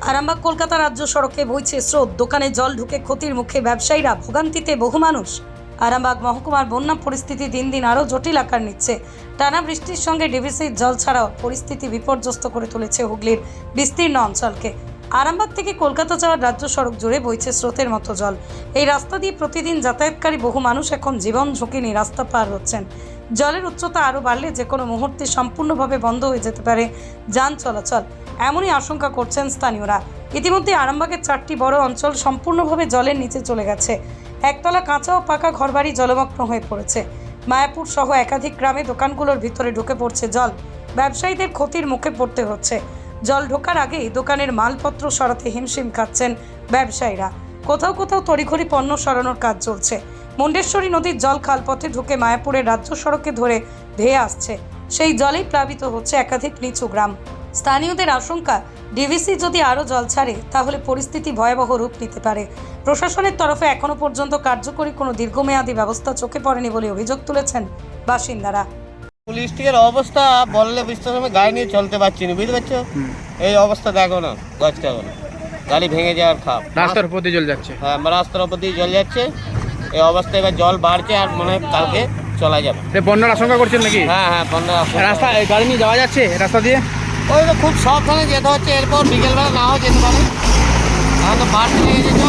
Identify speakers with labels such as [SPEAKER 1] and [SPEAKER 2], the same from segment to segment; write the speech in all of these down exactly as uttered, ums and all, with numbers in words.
[SPEAKER 1] আরামবাগ কলকাতা রাজ্য সড়কে বইছে স্রোত, দোকানে জল ঢুকে ক্ষতির মুখে ব্যবসায়ীরা, ভোগান্তিতে বহু মানুষ। আরামবাগ মহকুমার বন্যা পরিস্থিতি দিন দিন আরও জটিল আকার নিচ্ছে। টানা বৃষ্টির সঙ্গে ডিভিসির জল ছাড়াও পরিস্থিতি বিপর্যস্ত করে তুলেছে হুগলির বিস্তীর্ণ অঞ্চলকে। আরামবাগ থেকে কলকাতা যাওয়ার রাজ্য সড়ক জুড়ে বইছে স্রোতের মতো জল। এই রাস্তা দিয়ে প্রতিদিন যাতায়াতকারী বহু মানুষ এখন জীবন ঝুঁকি নিয়ে রাস্তা পার হচ্ছেন। জলের উচ্চতা আরও বাড়লে যে কোনো মুহূর্তে সম্পূর্ণভাবে বন্ধ হয়ে যেতে পারে যান চলাচল, এমনই আশঙ্কা করছেন স্থানীয়রা। ইতিমধ্যে আরামবাগের চারটি বড় অঞ্চল সম্পূর্ণভাবে জলের নিচে চলে গেছে। একতলা কাঁচা ও পাকা ঘরবাড়ি জলমগ্ন হয়ে পড়েছে। মায়াপুর সহ একাধিক গ্রামে দোকানগুলোর ভিতরে ঢুকে পড়ছে জল। ব্যবসায়ীদের ক্ষতির মুখে পড়তে হচ্ছে। জল ঢোকার আগেই দোকানের মালপত্র সরাতে হিমশিম খাচ্ছেন ব্যবসায়ীরা। কোথাও কোথাও তড়িঘড়ি পণ্য সরানোর কাজ চলছে। মুন্ডেশ্বরী নদীর জল খালপথে ঢুকে মায়াপুরের রাজ্য সড়কে ধরে ধেয়ে আসছে। সেই জলেই প্লাবিত হচ্ছে একাধিক নিচু গ্রাম। স্থানীয়দের আশঙ্কা, ডিভিসি যদি আরও জল ছাড়ে তাহলে পরিস্থিতি ভয়াবহ রূপ নিতে পারে। প্রশাসনের তরফে এখনো পর্যন্ত কার্যকরী কোনো দীর্ঘমেয়াদী ব্যবস্থা চোখে পড়েনি বলে অভিযোগ তুলেছেন বাসিন্দারা।
[SPEAKER 2] পুলিশের অবস্থা বললে বুঝতে হবে, গাড়ি নিয়ে চলতে পারছি না, বুঝতে পারছো? এই অবস্থা দেখো না, গাছটা গাড়ি ভেঙে যাওয়ার খাপ।
[SPEAKER 3] রাস্তার উপর দিয়ে জল যাচ্ছে।
[SPEAKER 2] হ্যাঁ, রাস্তার উপর দিয়ে জল যাচ্ছে। এই অবস্থায় এবার জল বাড়ছে আর মনে হয় কালকে চলা যাবে।
[SPEAKER 3] বন্যার আশঙ্কা করছেন নাকি?
[SPEAKER 2] হ্যাঁ হ্যাঁ, বন্যার
[SPEAKER 3] রাস্তা গাড়ি নিয়ে যাওয়া যাচ্ছে রাস্তা দিয়ে?
[SPEAKER 2] ওই তো খুব সাবধানে যেতে হচ্ছে, এরপর বিকেলবেলা নাও যেতে পারে। এখন তো বাড়তে লেগে যেত,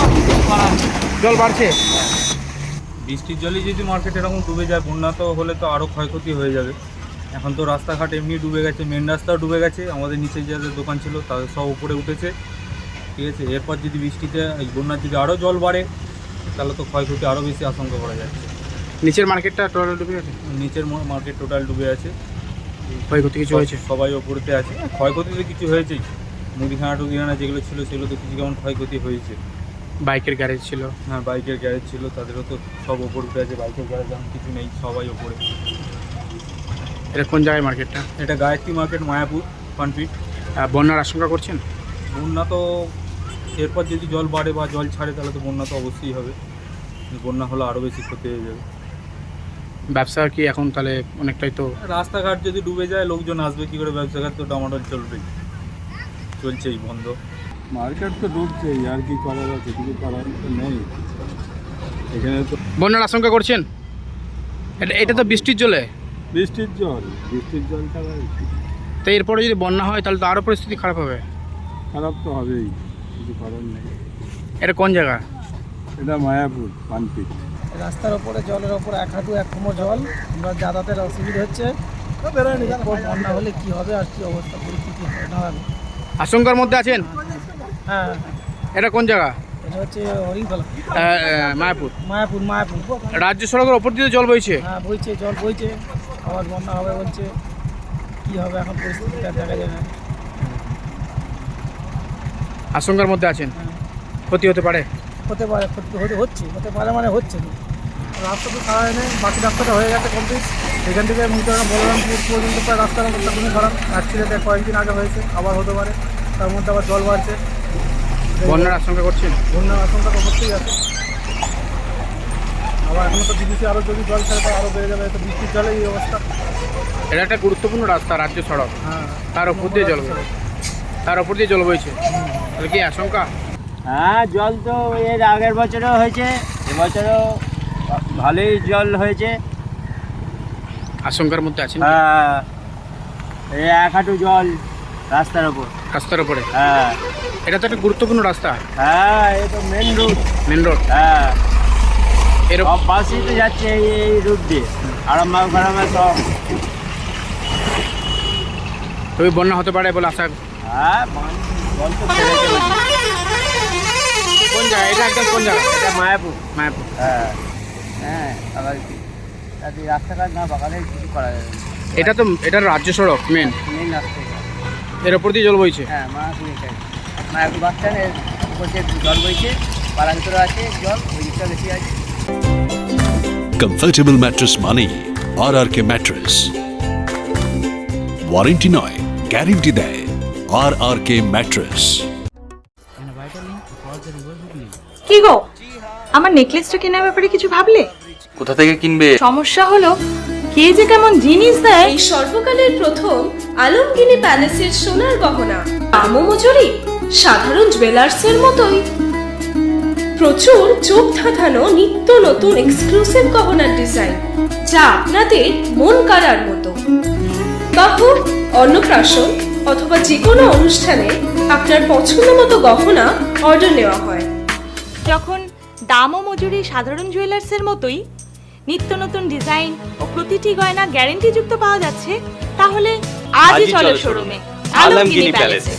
[SPEAKER 3] জল বাড়ছে।
[SPEAKER 4] বৃষ্টির জলে যদি মার্কেট এরকম ডুবে যায়, বন্যা তো হলে তো আরও ক্ষয়ক্ষতি হয়ে যাবে। এখন তো রাস্তাঘাট এমনি ডুবে গেছে, মেন রাস্তাও ডুবে গেছে, আমাদের নিচে যাদের দোকান ছিল তাদের সব উপরে উঠেছে, ঠিক আছে। এরপর যদি বৃষ্টিতে এই বন্যার যদি আরও জল বাড়ে তাহলে তো ক্ষয়ক্ষতি আরও বেশি আশঙ্কা করা যাচ্ছে।
[SPEAKER 3] নিচের মার্কেটটা টোটাল ডুবে গেছে?
[SPEAKER 4] নিচের মার্কেট টোটাল ডুবে আছে।
[SPEAKER 3] ক্ষয়ক্ষতি কিছু হয়েছে?
[SPEAKER 4] সবাই ওপরেতে আছে। ক্ষয়ক্ষতি তো কিছু হয়েছেই, মুদিখানা টুদিখানা যেগুলো ছিল সেগুলো তো কিছু কেমন ক্ষয়ক্ষতি হয়েছে।
[SPEAKER 3] বাইকের গ্যারেজ ছিল?
[SPEAKER 4] হ্যাঁ, বাইকের গ্যারেজ ছিল, তাদেরও তো সব ওপর উঠে আছে। বাইকের গ্যারেজ এখন কিছু নেই, সবাই ওপরে।
[SPEAKER 3] এটা কোন জায়গায় মার্কেটটা?
[SPEAKER 4] এটা গায়ত্রী মার্কেট, মায়াপুর পানপিট।
[SPEAKER 3] বন্যার আশঙ্কা করছেন?
[SPEAKER 4] বন্যা তো এরপর যদি জল বাড়ে বা জল ছাড়ে তাহলে তো বন্যা তো অবশ্যই হবে। বন্যা হলে আরও বেশি ক্ষতি হয়ে যাবে।
[SPEAKER 3] ব্যবসা কি এখন তাহলে অনেকটাই তো?
[SPEAKER 4] রাস্তাঘাট যদি ডুবে যায় লোকজন আসবে কী করে? ব্যবসাঘাট তো ডামাডোল চলবেই, চলছেই বন্ধ।
[SPEAKER 5] মার্কেট তো ডুবছেই, আর কি করার আছে? কিছু করার তো নেই এখানে তো।
[SPEAKER 3] বন্যার আশঙ্কা করছেন? এটা এটা তো বৃষ্টির জলে।
[SPEAKER 5] বৃষ্টির জল, বৃষ্টির জল ছাড়া
[SPEAKER 3] তো এরপরে যদি বন্যা হয় তাহলে তো আরও পরিস্থিতি খারাপ হবে।
[SPEAKER 5] খারাপ তো হবেই, কিছু করার নেই।
[SPEAKER 3] এটা কোন জায়গা?
[SPEAKER 5] এটা মায়াপুর পানপিট।
[SPEAKER 6] রাস্তার ওপরে জলের ওপরে এক হাঁটু এক কোমর জল, আমরা যাতায়াতের অসুবিধা হচ্ছে। বন্যা হলে কি হবে আর কি অবস্থা পরিস্থিতি হবে?
[SPEAKER 3] আশঙ্কার মধ্যে আছেন?
[SPEAKER 6] হ্যাঁ।
[SPEAKER 3] এটা কোন জায়গা?
[SPEAKER 6] এটা হচ্ছে হরিণতলা,
[SPEAKER 3] মায়াপুর।
[SPEAKER 6] মায়াপুর মায়াপুর
[SPEAKER 3] রাজ্য সড়কের ওপর দিয়ে জল বইছে?
[SPEAKER 6] হ্যাঁ, বইছে, জল বইছে। আবার বন্যা হবে বলছে, কি হবে এখন পরিস্থিতিটা দেখা যায় না।
[SPEAKER 3] আশঙ্কার মধ্যে আছেন? ক্ষতি হতে পারে?
[SPEAKER 6] হতে পারে, ক্ষতি হতে হচ্ছে, হতে পারে মানে হচ্ছে। রাস্তা তো সারা নেই, বাকি রাস্তাটা হয়ে গেছে কমপ্লিট। এখান থেকে মুদ্রা বলরামপুর পর্যন্ত প্রায় রাস্তার অবস্থা কোনো খারাপ। অ্যাক্সিডেন্ট কয়েকদিন আগে হয়েছে, আবার হতে পারে। তার মধ্যে আবার জল বাড়ছে।
[SPEAKER 3] বন্যার আশঙ্কা করছেন?
[SPEAKER 6] বন্যার আশঙ্কা তো হচ্ছেই আছে। আবার এখনো তো ডিভিসি আরও যদি জল ছাড়ে তো আরও বেড়ে যাবে। তো বৃষ্টির জলে এই অবস্থা।
[SPEAKER 3] এটা একটা গুরুত্বপূর্ণ রাস্তা, রাজ্য সড়ক।
[SPEAKER 6] হ্যাঁ,
[SPEAKER 3] তার উপর দিয়ে জল বইছে, তার উপর দিয়ে জল বইছে, তাহলে কি আশঙ্কা?
[SPEAKER 2] হ্যাঁ, জল তো এর আগের বছরও হয়েছে, এবছরও ভালোই জল হয়েছে।
[SPEAKER 3] আশঙ্কার মধ্যে আছেন?
[SPEAKER 2] হ্যাঁ, এই এক হাঁটু জল রাস্তার ওপর।
[SPEAKER 3] রাস্তার উপরে?
[SPEAKER 2] হ্যাঁ।
[SPEAKER 3] এটা তো একটা গুরুত্বপূর্ণ রাস্তা।
[SPEAKER 2] হ্যাঁ, এই তো মেন রুট।
[SPEAKER 3] Main road.
[SPEAKER 2] হ্যাঁ,
[SPEAKER 3] এরকম
[SPEAKER 2] সব বাসই তো যাচ্ছে এই এই রুট দিয়ে, আরামবাগ ফারামবাগ সব।
[SPEAKER 3] তবে বন্যা হতে পারে বলে আশা।
[SPEAKER 2] হ্যাঁ, জল তো ছেড়েছে।
[SPEAKER 3] কোন জায়গা এটা? একদম কোন জায়গা?
[SPEAKER 2] এটা মায়াপুর।
[SPEAKER 3] মায়াপুর।
[SPEAKER 2] হ্যাঁ হ্যাঁ, আবার কি রাস্তাঘাট না বাগালে কিছু করা যাবে না।
[SPEAKER 3] এটা তো এটা রাজ্য সড়ক মেন,
[SPEAKER 2] মেন রাস্তা।
[SPEAKER 3] এর ওপর দিয়ে জল বইছে?
[SPEAKER 2] হ্যাঁ, মায়াপুর এটাই। মায়াপুর বাস স্ট্যান্ডের উপর দিয়ে জল বইছে, পাড়ার ভিতরে আছে জল, ওই দিকটা বেশি আছে।
[SPEAKER 7] কমফর্টেবল ম্যাট্রেস মানেই R R K mattress. Warranty নয়, গ্যারেন্টি দেয় আর আর কে ম্যাট্রেস।
[SPEAKER 8] কি গো, আমার নেকলেসটা কেনার ব্যাপারে কিছু ভাবলে?
[SPEAKER 9] কোথা থেকে কিনবে?
[SPEAKER 8] সমস্যা হলো কে যে কেমন জিনিস দেয়।
[SPEAKER 10] এই সর্বকালের প্রথম আলমগিনি প্যালেসের সোনার গহনা, দামও মজুরি,
[SPEAKER 9] সাধারণ জুয়েলার্সের মতোই প্রচুর চোখ ধাঁধানো নিত্য নতুন এক্সক্লুসিভ গহনার ডিজাইন, যা আপনাদের মন কাড়ার মতো। বাহ, অন্নপ্রাশন অথবা যে কোনো অনুষ্ঠানে আপনার পছন্দ মতো গহনা অর্ডার নেওয়া হয়।
[SPEAKER 8] যখন দাম ও মজুরি সাধারণ জুয়েলার্সের মতোই, নিত্য নতুন ডিজাইন ও প্রতিটি গয়না গ্যারেন্টিযুক্ত পাওয়া যাচ্ছে, তাহলে আজই চলো শোরুমে আলমগিরি প্যালেসে।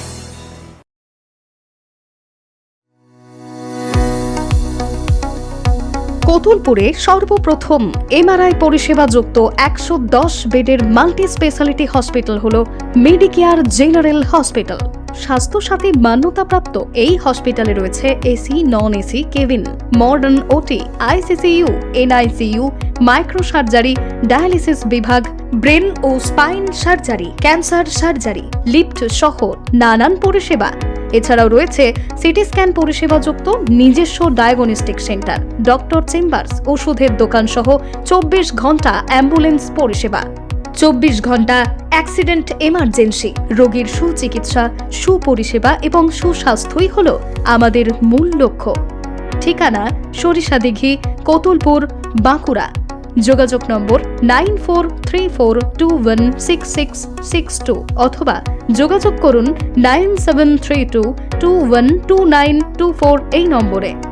[SPEAKER 10] কোতুলপুরে সর্বপ্রথম এমআরআই পরিষেবা যুক্ত একশো দশ বেডের মাল্টি স্পেশালিটি হসপিটাল হল মেডিকেয়ার জেনারেল হসপিটাল। স্বাস্থ্যসাথী মান্যতাপ্রাপ্ত এই হসপিটালে রয়েছে AC, non AC cabin, modern OT, ICCU, NICU, micro surgery, dialysis বিভাগ, ব্রেন ও spine surgery, cancer surgery, lift সহ নানান পরিষেবা। এছাড়াও রয়েছে সিটি স্ক্যান পরিষেবা যুক্ত নিজস্ব ডায়াগনস্টিক সেন্টার, ডক্টর চেম্বার্স, ওষুধের দোকান সহ চব্বিশ ঘন্টা অ্যাম্বুলেন্স পরিষেবা। চব্বিশ ঘন্টা অ্যাক্সিডেন্ট এমার্জেন্সি, রোগীর সুচিকিৎসা, সুপরিষেবা এবং সুস্বাস্থ্যই হল আমাদের মূল লক্ষ্য। ঠিকানা সরিষাদিঘি, কোতুলপুর, বাঁকুড়া। যোগাযোগ নম্বর nine four three four two one six six six two অথবা যোগাযোগ করুন nine seven three two two one two nine two four এই নম্বরে।